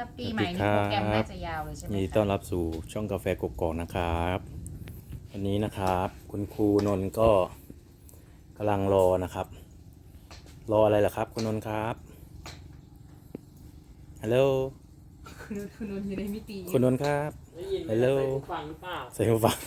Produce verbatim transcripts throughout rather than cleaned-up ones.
ถ้าปีใหม่นี้โปรแกรมน่าจะยาวเลยใช่ไหมยินดีต้อนรับสู่ช่องกาแฟกกอกนะครับวันนี้นะครับคุณครูนนท์ก็กำลังรอนะครับรออะไรล่ะครับคุณนนท์ครับฮัลโหลคุณคุณนนท์อยู่ในมิติคุณนนท์ครับได้ยินไหมฮัลโหลใส่หูฟังหรือเปล่าใส่หูฟัง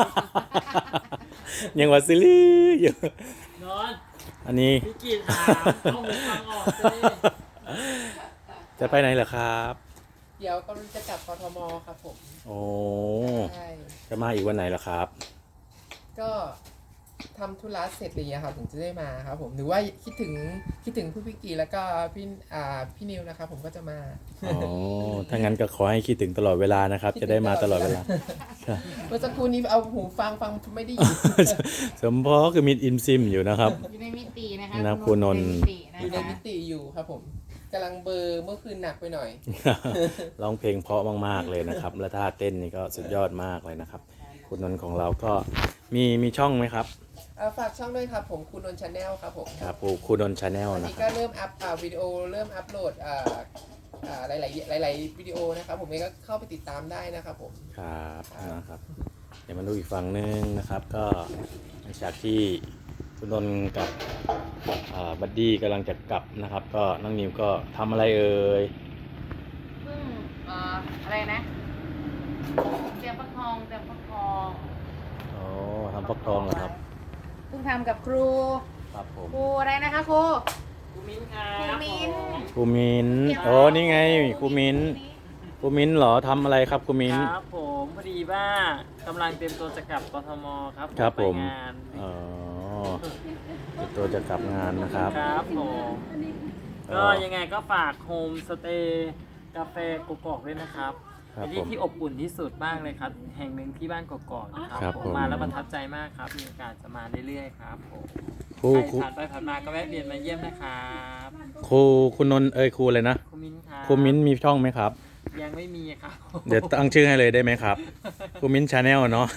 ยังว่าซิลี่อยู่นอนอันนี้พี่กีถามเอาหูฟังออกเลยจะไปไหนเหรอครับเดี๋ยวกำลังจะกลับกทมครับผมโอ้ใช่จะมาอีกวันไหนเหรอครับก็ทำธุระเสร็จอะไรอย่างเงี้ยครับถึงจะได้มาครับผมหรือว่าคิดถึงคิดถึงพี่พิกกี้แล้วก็พี่อ่าพี่นิวนะครับผมก็จะมาอ๋อถ้างั้นก็ขอให้คิดถึงตลอดเวลานะครับ จะได้มาตลอดเวลาเมื่อสักครู่นี้เอาหูฟังฟังไม่ได้ยินสมพอคือมิดอิมซิมอยู่นะครับอยู่ในมิตินะคะนะคุณนนท์อยู่ในมิตินะอยู่ในคะมิติอยู่ครับผมกำลังเบลอร์เมื่อคืนหนักไปหน่อยร้องเพลงเพราะมากๆเลยนะครับ และท่าเต้นนี่ก็สุดยอดมากเลยนะครับ คุณนนท์ของเราก็มีมีช่องไหมครับเอาฝากช่องด้วยครับผมคุณนนท์ชาแนลครับผมครับคุณนนท์ชาแนลวันนะนี้คก็รับเริ่มอัพอ่าวิดีโอเริ่มอัพโหลดอ่าอ่าหลายๆหลาย ๆ วิดีโอนะครับผมเองก็เข้าไปติดตามได้นะครับผมครับนะครับ เดี๋ยวมาดูอีกฝั่งหนึงนะครับ ก็หลังจากที่คุณนนท์กับอ่าบัดดี้กำลังจะกลับนะครับ ก็น้องนิวก็ทำอะไรเอ่ยเพิ่งเอ่ออะไรนะเตรียมฟักทองเตรียมฟักทองอ๋อทำฟักทองเหรอครับเพิ่งทำกับครูครับผมครูอะไรนะคะครูครูมิ้นครับครูมิ้นครูมินโอ้นี่ไงครูมินครูมินเหรอทำอะไรครับครูมินครับผมพอดีว่ากำลังเตรียมตัวจะกลับกทมครับครับผมไปงานอ๋อเดี๋ยวตัวจะกลับงานนะครับครับผมก็ยังไงก็ฝากโฮมสเตย์กาแฟกกอกด้วยนะครับครับเป็นที่ผมที่อบอุ่นที่สุดมากเลยครับ แห่งหนึ่งที่บ้านกกอกนะคครัรับบ ผมมาแล้วประทับใจมากครับมีโอกาสจะมาเรื่อยๆครับผมครูใครครูผ่านไปผ่านมาก็แวะเวียนมาเยี่ยมนะครับครูคุณนนท์เอ้ยครูเลยนะครูมิ้นครับครูมินมีช่องไหมครับยังไม่มีครับเดี๋ยวตั้งชื่อให้เลยได้ไหมครับครูมินชาแนลเนาะ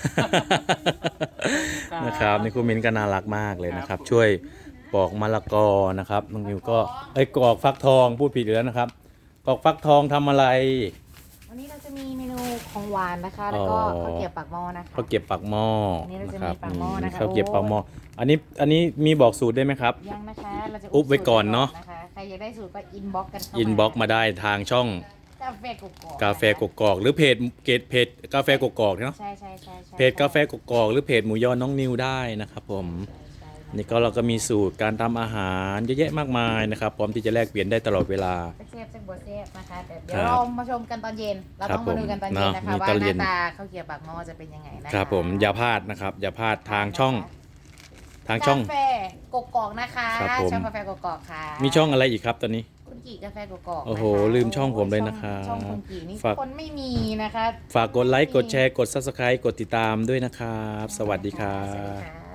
นะครับนี่ครูมินก็น่ารักมากเลยนะครับ ช่วยปอกมะละกอนะครับน้องนิวก็เอ้ยกรอกฟักทองพูดผิดอีกแล้วนะครับกรอกฟักทองทำอะไรวันนี้เราจะมีเมนูของหวานนะคะ แล้วก็อ๋อข้าวเกรี๊ยวปากหม้อนะคะข้าวเกรี๊ยวปากหม้ออันนี้เราจะนะคมีรับปากหม้อนะคะข้าวเกรี๊ยวโอ้ปากหม้ออันนี้อันนี้มีบอกสูตรได้ไหมครับยังนะคะเราจะอุ๊บไว้ก่อนเนอะสูตรไว้ก่อนะคะใครอยากได้สูตรก็อินบ็อกกันเข้าอินบ็อกมาได้ทางช่องกาแฟกกอกกาแฟกกอกหรือเพจเกตเพจกาแฟกกอกเนาะใช่ใช่ใช่ใช่เพจกาแฟกกอกหรือเพจหมูยอน้องนิวได้นะครับผมนี่ก็เราก็มีสูตรการทำอาหารเยอะแยะมากมายนะครับพร้อมที่จะแลกเปลี่ยนได้ตลอดเวลาเซฟเซฟบัวเซฟนะคะแต่เดี๋ยครัวบเรามาชมกันตอนเย็น เราต้องครัมาบดูกันตอนผมเย็นนะคะเนอะว่าตอนหเย็น้าน ตาข้าวเกรี๊ยวปากหม้อจะเป็นยังไงนะคะครับผมอย่าพลาดนะครับ อย่าพลาดทางช่องทางช่องกาแฟกกอกนะคะครับผมช่องกาแฟกกอกค่ะมีช่องอะไรอีกครับตอนนี้คุณกีกาแฟกกอกโอ้โหนะคะลืมช่องผมเลยนะครับช่องคุณกีนี่ฝากคนไม่มีนะคะฝากกดไลค์กดแชร์กด ซับสไครบ์ กดติดตามด้วยนะครับ สวัสดีครัสวัสดีบค่ะ